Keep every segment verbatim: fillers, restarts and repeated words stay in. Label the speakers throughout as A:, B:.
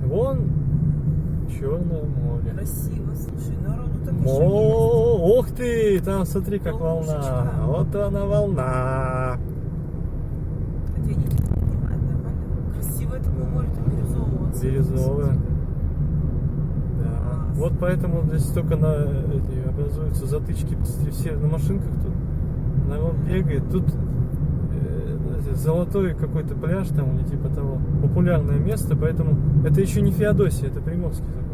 A: Вон Черное море.
B: Красиво, слушай, народу так еще
A: О, ух ты, там смотри, как
B: Ловушечка.
A: волна. Вот она волна.
B: есть. Хотя я не понимаю, нормально. Красиво это море, там бирюзового цвета.
A: Бирюзовое. Да.
B: Класс.
A: Вот поэтому здесь только на эти образуются затычки. Посмотри, все на машинках тут народ бегает. Тут э, золотой какой-то пляж там или типа того. Популярное место, поэтому это еще не Феодосия, это Приморский закончится.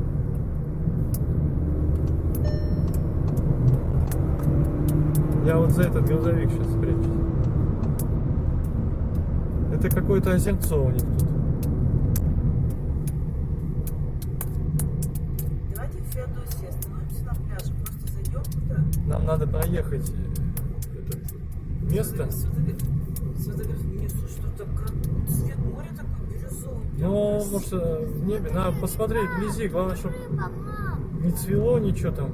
A: Я вот за этот грузовик сейчас спрячусь. Это какое-то озерцо у них тут.
B: Давайте в Феодосии остановимся на пляже, просто зайдем туда.
A: Нам надо проехать э, это место.
B: Сфотографируй. Мне слушай, что так кра- цвет моря такой бирюзовый. прям
A: Ну,
B: красивый.
A: потому что в небе надо посмотреть вблизи, главное, чтобы
C: Рыба, мам,
A: не цвело ничего там.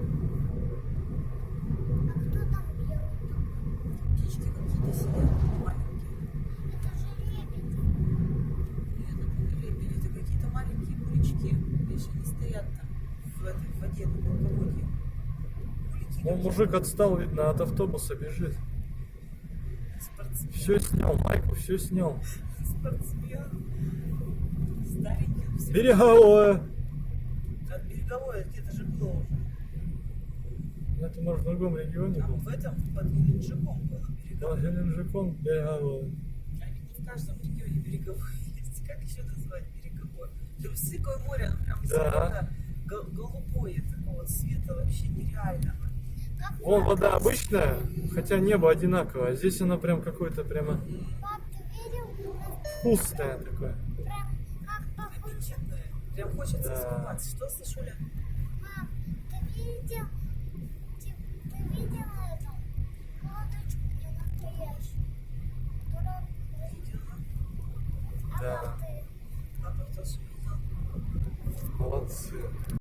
C: а кто там белый?
B: Птички какие-то сидят маленькие.
C: Это же лебедь.
B: Это не лебеди, это какие-то маленькие кулички. Видишь, они стоят там в этой воде, на мелководье. Кулики
A: Ну,
B: какие-то.
A: мужик отстал, видно, от автобуса бежит.
B: Спортсмен.
A: Все снял, майку все снял.
B: Спортсмен. Старенький. все.
A: Береговое.
B: От береговой где-то же было уже.
A: Это, может, в другом регионе
B: Там
A: был.
B: в этом, под Геленджиком было
A: Да,
B: береговое.
A: Геленджиком береговое.
B: Они не в каждом регионе береговое есть. Как еще назвать береговое? Трусиковое море, оно прям
A: Да.
B: зелено, гол- голубое такого цвета, вообще нереального.
C: Как
A: Вон
C: пап,
A: вода обычная, хотя небо одинаковое. А здесь оно прям какое-то прямо
C: пап, ты видел?
A: вкусное такое.
C: Прям как похоже.
B: Аппетитное. Прям хочется
A: Да.
B: искупаться. Что, Сашуля?
C: Мам, ты видел? Ты, ты видел эту лодочку не настоящую? Которая
B: Видела?
C: а
A: Да.
C: как ты?
B: Папа тоже видел.
A: Молодцы.